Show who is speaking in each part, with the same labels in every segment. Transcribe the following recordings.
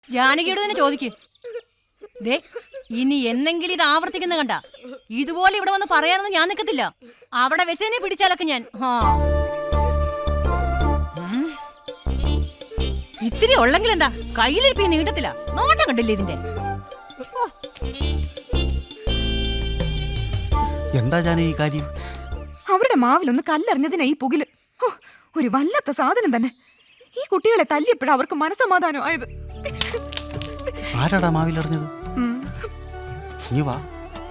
Speaker 1: ജാനകിയോട് തന്നെ ചോദിക്ക്. ദേ ഇനി എന്നെങ്കിലും ഇത് ആവർത്തിക്കുന്ന കണ്ട ഇതുപോലെ ഇവിടെ വന്ന് പറയാനൊന്നും ഞാൻ നിൽക്കത്തില്ല. അവിടെ വെച്ച് തന്നെ പിടിച്ചാലൊക്കെ ഞാൻ. ഇത്തിരി ഉള്ളെങ്കിൽ എന്താ കയ്യിലിരിപ്പി നീട്ടത്തില്ല. നോട്ടം കണ്ടില്ലേ ഇതിന്റെ?
Speaker 2: എന്താ ജാനകി ഈ കാര്യം?
Speaker 3: അവരുടെ മാവിലൊന്ന് കല്ലെറിഞ്ഞതിനാ ഈ പുകില്. ഒരു വല്ലാത്ത സാധനം തന്നെ. ഈ കുട്ടികളെ തല്ലിയപ്പോഴാ അവർക്ക് മനസ്സമാധാനം ആയത്.
Speaker 2: ആരാടാ മാവിലെറിഞ്ഞത്? ഇനി വാ.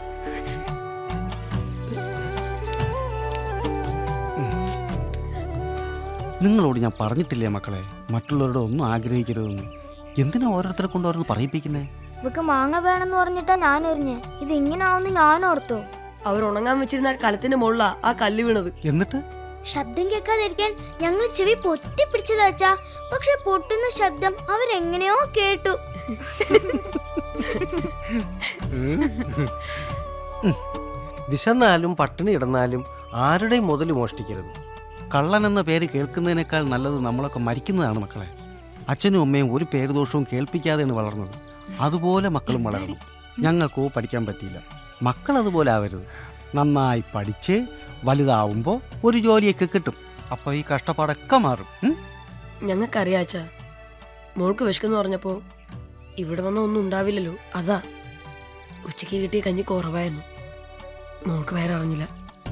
Speaker 2: നിങ്ങളോട് ഞാൻ പറഞ്ഞിട്ടില്ലേ മക്കളെ, മറ്റുള്ളവരുടെ ഒന്നും ആഗ്രഹിക്കരുതെന്ന്. എന്തിനാ ഓരോരുത്തരെ കൊണ്ട് ഓരോന്ന് പറയിപ്പിക്കുന്നേ?
Speaker 4: ഇവക്ക് മാങ്ങ വേണമെന്ന് പറഞ്ഞിട്ടാ ഞാൻ എറിഞ്ഞേ. ഇത് ഇങ്ങനാവുന്ന് ഞാൻ ഓർത്തു.
Speaker 5: അവർ ഉണങ്ങാൻ വെച്ചിരുന്ന കലത്തിന്റെ മുകളിലാ ആ കല്ല് വീണത്.
Speaker 2: എന്നിട്ട്
Speaker 4: ശബ്ദം കേൾക്കാതിരിക്കാൻ ഞങ്ങൾ ചെവി പൊത്തി പിടിച്ചതാച്ചാ. പക്ഷെ പൊട്ടുന്ന ശബ്ദം അവരെങ്ങനെയോ കേട്ടു.
Speaker 6: വിശന്നാലും പട്ടിണി ഇടന്നാലും ആരുടെയും മുതൽ മോഷ്ടിക്കരുത്.
Speaker 2: കള്ളൻ എന്ന പേര് കേൾക്കുന്നതിനേക്കാൾ നല്ലത് നമ്മളൊക്കെ മരിക്കുന്നതാണ് മക്കളെ. അച്ഛനും അമ്മയും ഒരു പേര് ദോഷവും കേൾപ്പിക്കാതെയാണ് വളർന്നത്. അതുപോലെ മക്കളും വളരണം. ഞങ്ങൾക്കോ പഠിക്കാൻ പറ്റിയില്ല. മക്കൾ അതുപോലെ ആവരുത്. നന്നായി പഠിച്ച് വലുതാവുമ്പോൾ ഒരു ജോലിയൊക്കെ കിട്ടും. അപ്പോൾ ഈ കഷ്ടപ്പാടൊക്കെ മാറും.
Speaker 5: ഞങ്ങൾക്കറിയാച്ച മോൾക്ക് വിശക്കെന്ന് പറഞ്ഞപ്പോ ഇവിടെ വന്ന ഒന്നും ഉണ്ടാവില്ലല്ലോ. അതാ ഉച്ചയ്ക്ക് കിട്ടിയ കഞ്ഞി കുറവായിരുന്നു. മോൾക്ക് വേറെ അറിഞ്ഞില്ല.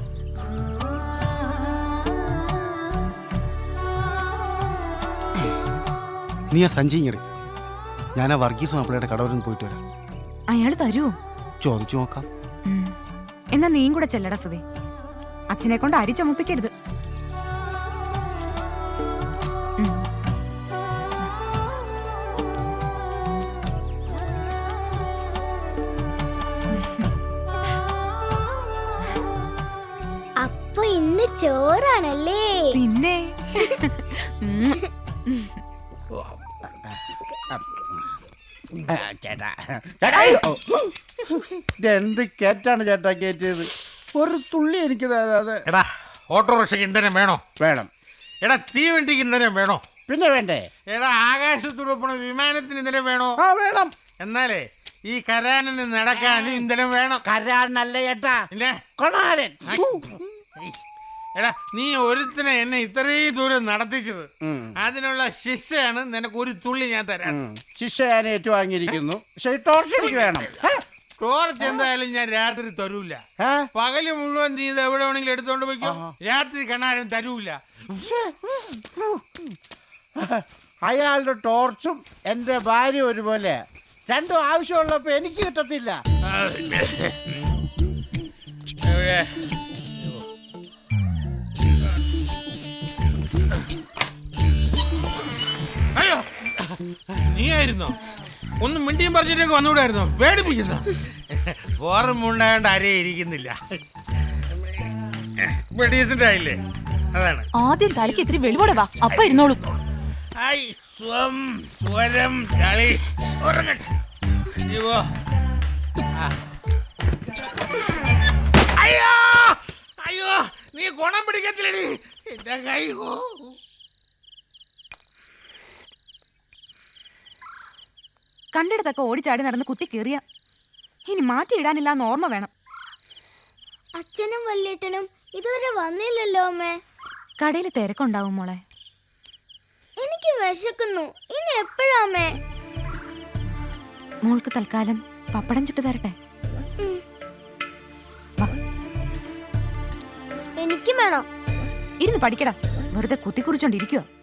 Speaker 2: നീ ആ സഞ്ചി ഇങ്ങട്. ഞാൻ ആ വർഗീസ് മാപ്പിളയുടെ കടവരന്ന് പോയിട്ട് വരാം.
Speaker 3: അയാൾ തരുമോ?
Speaker 2: ചോദിച്ചു നോക്കാം.
Speaker 3: എന്നാ നീയും കൂടെ ചെല്ലടാ സുധി. അച്ഛനെ കൊണ്ട് അരി ചുമപ്പിക്കരുത്.
Speaker 4: അപ്പൊ ഇന്ന് ചോറാണല്ലേ?
Speaker 3: പിന്നെ
Speaker 7: എന്ത് കേറ്റാണ് ചേട്ടാ കേറ്റിയത്? ഒരു തുള്ളി എനിക്ക് തരാതെ.
Speaker 8: എടാ ഓട്ടോറിക്ഷയ്ക്ക് ഇന്ധനം വേണോ?
Speaker 7: വേണം.
Speaker 8: എടാ തീവണ്ടിക്ക് ഇന്ധനം വേണോ?
Speaker 7: പിന്നെ വേണ്ടേ?
Speaker 8: എടാ ആകാശത്തൂടെ പോണ വിമാനത്തിന് ഇന്ധനം വേണോ?
Speaker 7: ആ വേണം.
Speaker 8: എന്നാലേ ഈ കരാനിന് നടക്കാനും ഇന്ധനം വേണം.
Speaker 7: കരാനല്ല ചേട്ടാ,
Speaker 8: പിന്നെ
Speaker 7: കൊണാരൻ.
Speaker 8: എടാ നീ ഒരുത്തിനെ എന്നെ ഇത്രയും ദൂരം നടത്തിച്ചത്. അതിനുള്ള ശിക്ഷയാണ് നിനക്ക് ഒരു തുള്ളി ഞാൻ തരാം.
Speaker 7: ശിക്ഷ ഞാൻ ഏറ്റുവാങ്ങിയിരിക്കുന്നു. പക്ഷെ ടോർച്ച് എനിക്ക് വേണം.
Speaker 8: ടോർച്ച് എന്തായാലും ഞാൻ രാത്രി തരൂല. പകല് മുഴുവൻ നീ ഇത് എവിടെ വേണമെങ്കിലും എടുത്തോണ്ട് പോയിക്കോ. രാത്രി കണ്ണാരും തരൂല.
Speaker 7: അയാളുടെ ടോർച്ചും എന്റെ ഭാര്യ ഒരുപോലെ. രണ്ടും ആവശ്യമുള്ളപ്പോ എനിക്ക് കിട്ടത്തില്ല.
Speaker 8: അയ്യോ നീ ആയിരുന്നോ? ഒന്ന് മിണ്ടിയും പറിച്ചിട്ടേക്ക് വന്നുകൂടായിരുന്നോ? പേടിപ്പിക്കുന്ന ഓർമ്മ ആരേ ഇരിക്കുന്നില്ല. ഡീസന്റ് ആയില്ലേ? അതാണ്.
Speaker 1: ആദ്യം തലയ്ക്ക് ഇത്തിരി വെളിവോടെ വാ, അപ്പ ഇരുന്നോളൂ.
Speaker 8: സ്വരം ചളി ഉറങ്ങട്ടെ. അയ്യോ അയ്യോ നീ ഗുണം പിടിക്കത്തില്ലടി എന്റെ കൈ.
Speaker 3: കണ്ടിടത്തൊക്കെ ഓടിച്ചാടി നടന്ന് കുത്തി കീറിയ ഇനി മാറ്റിയിടാനില്ലാന്ന് ഓർമ്മ വേണം.
Speaker 4: അച്ഛനും വല്യേട്ടനും ഇതുവരെ വന്നില്ലല്ലോ അമ്മേ.
Speaker 3: കടയിൽ തിരക്കുണ്ടാവും മോളെ.
Speaker 4: എനിക്ക് വിശക്കുന്നു. ഇനി എപ്പോഴാ അമ്മേ?
Speaker 3: മോൾക്ക് തൽക്കാലം പപ്പടം ചുട്ടു തരട്ടെ?
Speaker 4: എനിക്ക് വേണം.
Speaker 3: ഇരുന്ന് പഠിക്കടാ, വെറുതെ കുത്തിക്കുറിച്ചോണ്ടിരിക്കുവോ?